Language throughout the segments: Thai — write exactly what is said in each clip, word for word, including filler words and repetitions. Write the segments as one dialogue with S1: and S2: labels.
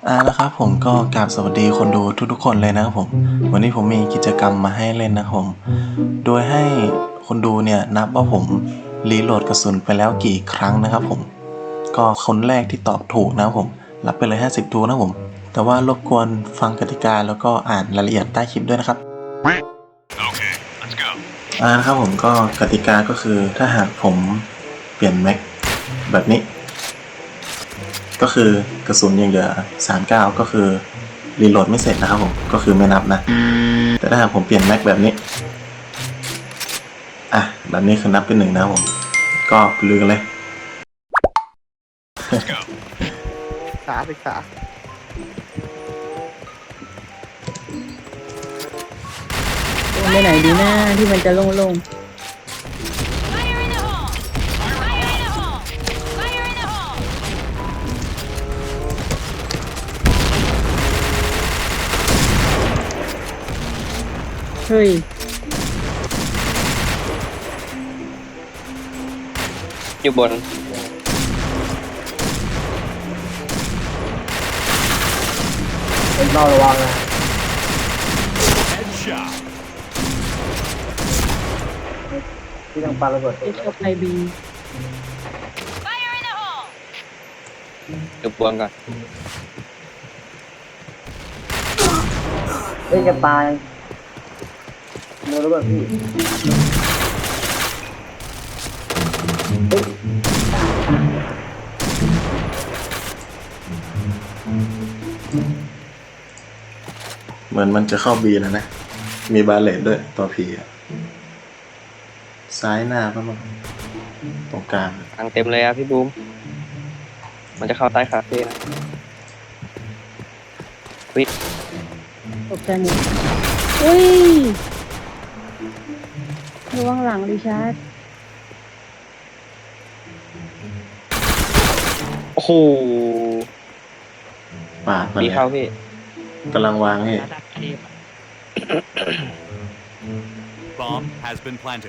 S1: อ่านะครับผมก็กราบสวัสดีคนดูทุกๆคนเลยนะครับผมวันนี้ผมมีกิจกรรมมาให้เล่นนะครับผมโดยให้คนดูเนี่ยนับว่าผมรีโหลดกระสุนไปแล้วกี่ครั้งนะครับผมก็คนแรกที่ตอบถูกนะครับผมรับไปเลยห้าสิบทูนะครับผมแต่ว่ารบกวนฟังกติกาแล้วก็อ่านรายละเอียดใต้คลิปด้วยนะครับ
S2: Okay, let's go.
S1: อ่านะครับผมก็กติกาก็คือถ้าหากผมเปลี่ยนแม็กแบบนี้ก็คือกระสุนยังเหลือสามสิบเก้าก็คือรีโหลดไม่เสร็จนะครับผมก็คือไม่นับนะแต่ถ้าหากผมเปลี่ยนแม็กแบบนี้อ่ะแบบนี้คือนับเป็นหนึ่งนะครับผมก็ลือกันเลย
S2: Let's go.
S3: ศึกษาศึกษา
S4: ไปไหนดีหน้าที่มันจะโล่ง
S5: Fire in the hole! Fire in the hole! Fire in the hole!
S4: ๆเฮ้ย
S3: อยู่บน
S6: เราระวังนะ
S2: Headshot.
S6: ที่ทางปาระเบิด
S4: เอชไอบี
S5: Fire in the hole!
S3: อยู่บนก่อน
S6: เอ้ยจะตายโดนระเบิดพี่เฮ้ย
S1: เหมือนมันจะเข้าบีแล้วนะมีบาเลตด้วยตัวพีอะซ้ายหน้าก็มาตรงกลาง
S3: ทางเต็มเลยอะพี่บูมมันจะเข้าใต้คาเฟ่นะวิท
S4: ตกใจหมดเฮ้ยระวังหลังดิชาร์ด
S3: โอ้โห
S1: ปาดมา
S3: มี
S1: เลย
S3: เข้าพี่
S1: กำลังวางให้
S2: Bomb has been planted.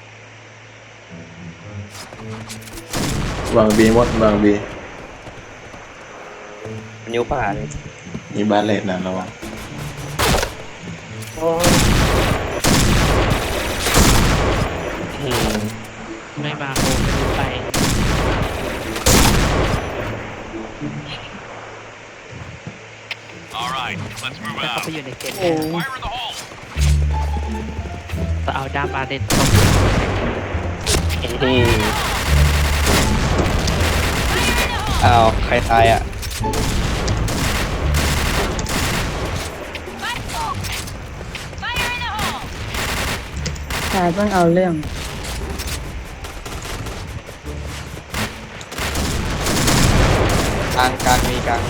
S1: วางบีมดวางบี
S3: มันนิ้วป่าเลย
S1: มีบาเลตนะระวัง
S6: โอ้ย
S3: อืม
S7: ไม่มาโคไม่รู้ไป
S2: All right, let's move
S7: แล้วเขา
S2: out.
S7: ไปอยู่ในเกม
S4: โอ้
S2: Fire in the hole.
S7: จะเอาด้ามมาเด็ดตบ
S3: อืมอ้าวใครตายอ่ะ
S5: Fire in the hole!
S4: ชาร์ดเพิ่งเอาเรื่อง
S3: กลางกลางมีกลางมี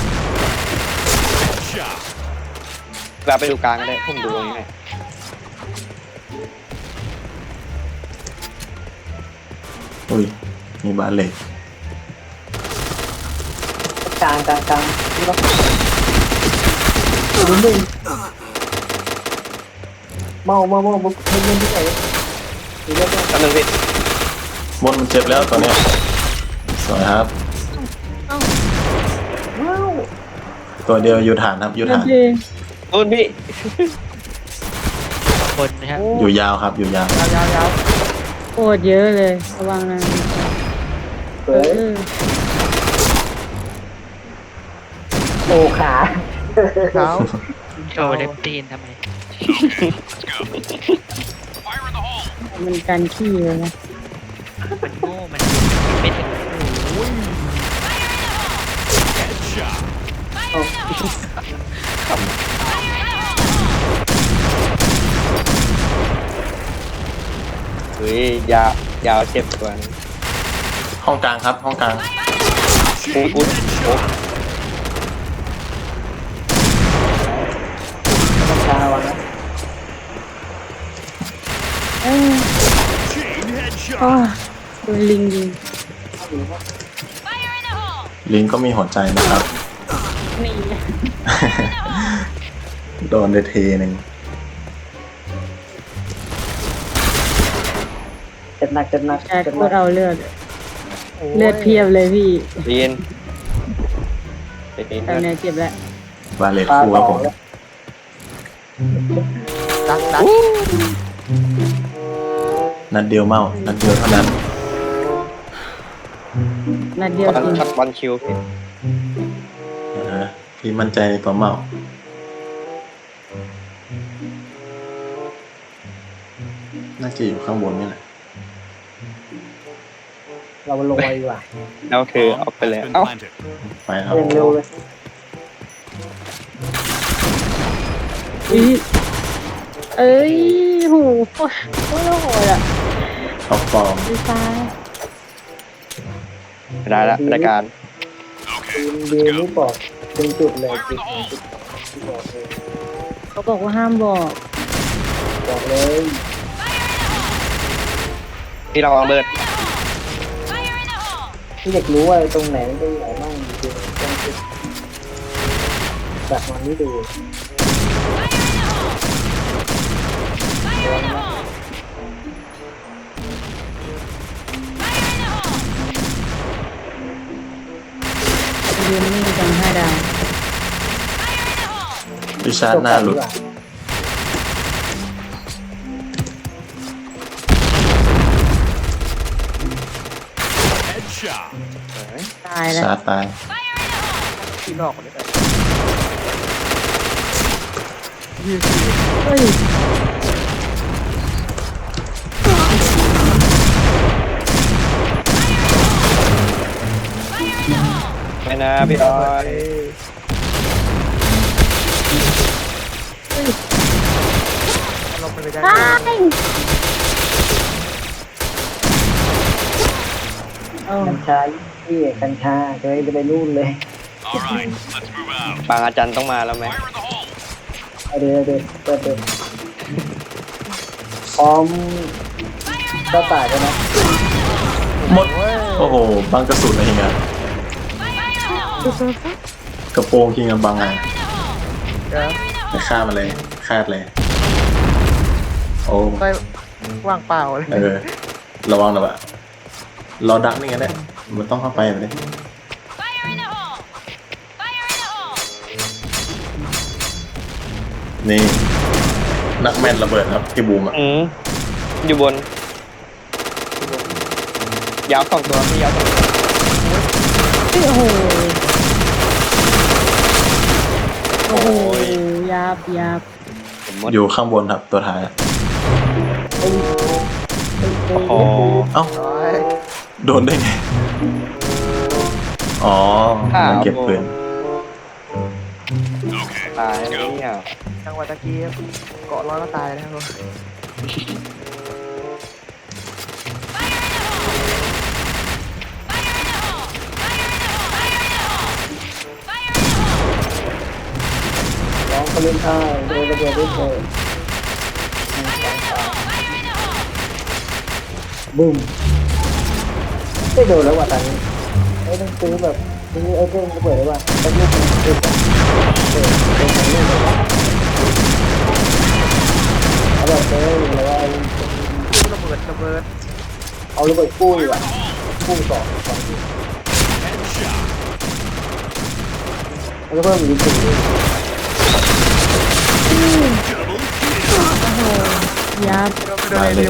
S2: Shot.
S3: เราไปดูกลางก็ได้ผมดูตรงนี้ให้
S1: อุ้ยมีบาเลต
S6: กลางกลางกลางนี่ก็ดูมึงเมาเมาเมาบุกเล่นเล่นที่ไหนดูเล่นเล่น
S3: แป๊บนึงพี่
S1: มดมันเจ็บแล้วตอนเนี้ยสวยครับ
S6: ว้าว
S1: ตัวเดียวอยู่ฐานครับอยู่
S4: โอ
S1: ฐาน
S4: เค
S3: นู่นพี่
S7: คนนะครับ
S1: อยู่ยาวครับอยู่ยาว
S6: ยาวยาวยาว
S4: โคตรเยอะเลยระวังนะ
S6: เฮ้
S4: เอย อ
S6: โอ้ขา
S3: เท้า
S7: โชว์เล็บตีนทำไม
S2: Okay, let's go. Fire in the hole.
S4: มันกันขี้เลยนะ
S7: มันโง่มันไม่ถึง
S2: Headshot.
S5: Fire in the hole! Fire in the hole!
S3: เฮ้ยยาวยาวเจ็บกว่านี้
S1: ห้องกลางครับห้องกลาง
S3: อุ๊ยอุ๊ยโอ้
S6: ต้องกลางระวังนะ
S4: เออ
S2: Chain
S4: โอ้
S2: headshot.
S4: โดนลิงยิง
S5: Fire in the hole!
S1: ลิงก็มีหัวใจนะครับ
S4: นี่
S1: โดนไปเทหนึ่ง
S6: เจ็บหนักเจ็บหนัก
S4: ชาร์ด
S6: เจ็บ
S4: โค
S6: หนั
S4: ต
S6: ก
S4: รเอาเลือด เลือดเพียบเลยพี่
S6: โอ้ย
S3: เรียน
S4: เลือดเพียบเลย
S3: เรียนไปเอง
S4: ตอนนี้เจ็บแล้ว
S1: บาเลต
S6: ปลา
S1: คู่ค
S6: ต่
S1: รับ
S6: อ
S1: ผม
S6: แล้ว
S8: ดักดัก
S1: นัดเดียวเมานัดเดียวเท่านั้น
S4: นัดเดียว
S3: บอล
S4: จริง
S3: ช็อตบอลคิวพี่
S1: นะฮะพี่มั่นใจในตัวเมาน่าจะอยู่ข้างบนนี่แหละ
S6: เราลงไปดีกว่า
S3: แล้วคือออกไปเลย
S2: Been
S3: เอ้า
S2: planted.
S1: ไปครับ
S6: อย่างเร็วเลย
S4: อุ๊ยเอ้ยโหโคตรโคตรโหดอ่ะ
S1: ท็อปฟอร์ม
S4: ดีไซน์
S3: ได้ละรายการ
S6: ทีมเดียวนี่บอกเป็นจุดเลยจุดจุดที่บอกเลย
S4: เขาบอกว่าห้ามบอก
S6: บอกเลย
S3: ที่เราวางเบิร์ด
S5: Fire in the hole!
S6: ที่เด็กรู้ว่าตรงไหนมันจะใหญ่มากจริงๆต้องคิดแบบมันไม่ดู
S5: Fire in the hole! Fire in the hole!
S4: ยืนนิ่งจังห้าดาว
S5: Fire in the hole!
S1: พิชาร์จหน้าหลุด
S2: Headshot.
S4: ตายแล้ว
S1: ชาร์จตาย
S5: Fire in the hole!
S8: ที่นอกคนนี้ไป
S4: เฮ้ย
S3: ไม่นะพี่ออย
S8: ลงไปไม่ได้
S4: ตายโอ้
S6: กัญชาที่กัญชาจะไปจะไปนู่นเลย
S2: All right, let's move out.
S3: บางอาจารย์ต้องมาแล้วไหม
S2: Fire in the hole.
S6: เอาเดี๋ยวเดี๋ยวเปิดเปิดพร้อมก็ตายกันนะ
S1: หมด โอ้โห บังกระสุนอะไรเงี้ย
S5: Fire in the hole!
S1: กระโปรงคิงกับบังไง
S5: Fire in the hole!
S8: เดี๋ยว
S1: ไปฆ่ามันเลยคาดเลย โอ้
S8: ไปว่างเปล่าเลย
S1: เออ ระวังหน่อยว่ะรอดักนี่ไงเนี่ยมันต้องเข้าไปแบบนี้
S5: Fire in the hole! Fire in the hole!
S1: นี่ นักแม่นระเบิดครับพี่บูมอ่ะ
S3: อืมอยู่บน ยาวสองตัวพี่ยาวสองตัว
S4: โอ้โห โอ้โหยับยับ
S3: ผมหมด
S1: อยู่ข้างบนครับตัวท้ายอะ
S3: โอ้
S1: เอ้า
S8: น้อย
S1: โดนได้ไง อ๋อมันเก็บปืน
S2: Okay,
S3: ตาย
S2: let's
S3: แล้ว
S2: go.
S3: เนี่ย
S8: จังหวะตะกี้เกาะร้อยก็ตายนะครับผม
S6: ร้องเขาเล่นท่าโดนระเบิดด้วยเถิดบึ้มไม่โดนแล้วว่ะตอนนี้ไม่ต้องซื้อแบบซื้อไอ้เรื่องระเบิดเลยว่ะไอ้ลูกมันติดอ่ะเออเป็นของลูกเลยเอาแบบเลยหรือว่า
S8: ระเบิดระเบิด
S6: เอาระเบิดกู้ดีกว่ากู้สองสองแล้วก็เพิ่มอีกจุดนึง
S4: ยับ
S1: ได้เลย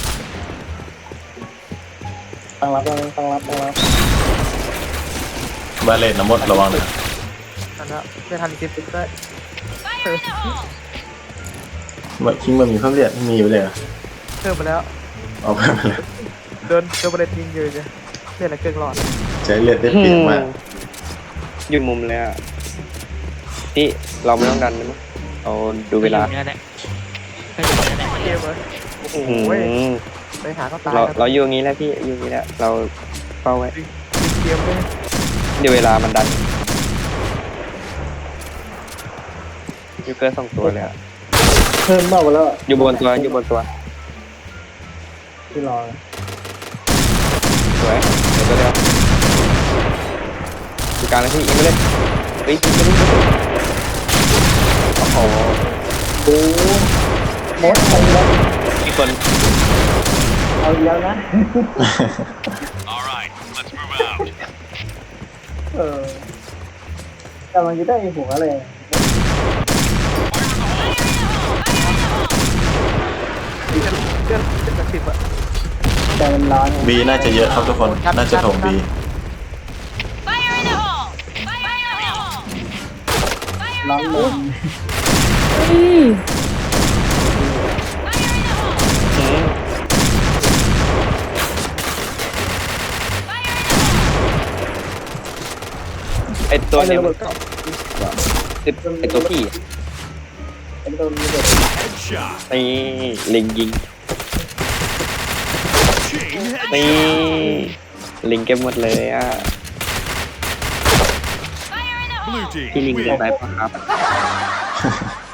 S6: ตั้งรับตั้งตั้งรับตั้งรับบ
S1: าเลตน้ำมดระวังนะ
S8: นั่นแหละไม่ทันเก็บติ๊กได้
S5: Fire in the hole!
S1: ว่าคิงมันมีเพิ่มเลือดมีอยู่เลยเหรอ
S8: เพิ่มไปแล้ว
S1: เอาไปมาแล้ว
S8: เดินเดินประเด็นยิงเยอะเลยเลือดอะไรเกินหลอด
S1: ใช้เลือดได้เปรียบมาก
S3: อยู่มุมเลยอ่ะที่เราไม่ต้องดันนะมั้งเอาดูเวลา
S7: ก็อยู่เนี่ยแหละก็อยู่เนี่ยแหละ
S8: เกมเลยโอ้โห
S3: อืม
S8: ไปหาก็ตาย
S3: เรา
S8: ครับ
S3: เราอยู่อย่างนี้แล้วพี่อยู่อย่างนี้แล้วเราเฝ้าไว้
S8: เกมเลย
S3: เดี๋ยวเวลามันดันยูเกอร์สองตัวเลยอ่ะ
S6: เพิ่มมากกว่าแล้ว
S3: อยู่บนตัวอยู่บนตัว
S6: ที่รอ
S3: สวยเดี๋ยวตัวเดียวอยู่กลางแล้วพี่ยิงไปเลยเฮ้ยยิงไปเลยโอ้โห
S6: ดูมดเอาแล้ว
S3: มีคน
S6: เอาแล้วนะ
S2: All right, let's move out.
S6: เออแต่มันจะได้หัวอะไร
S8: เพื่อนเพื่อนเจ็ดสิบอะ
S6: แต่มันร้อนไง
S1: บีน่าจะเยอะครับทุกคน น่าจะถมบี
S5: Fire in the hole! Fire in the hole! Fire
S6: ร้อน
S5: in the
S6: ล
S5: hole!
S6: ม
S4: เฮ้ย
S5: Fire in the hole!
S3: อืม
S5: Fire in the hole!
S3: ไอตัวเนี้ยมัน
S6: ก็
S3: ติดไอตัวพี่อะ
S6: เป็นตัวนี้เลย
S2: Headshot.
S3: นี่เล็งยิง
S2: Chain
S3: นี่
S2: headshot.
S3: ลิงเก็บหมดเลยอ่ะ
S5: Fire in the hole!
S2: Blue team
S3: พี่ลิง
S2: win.
S3: เก็บได้ปะครับ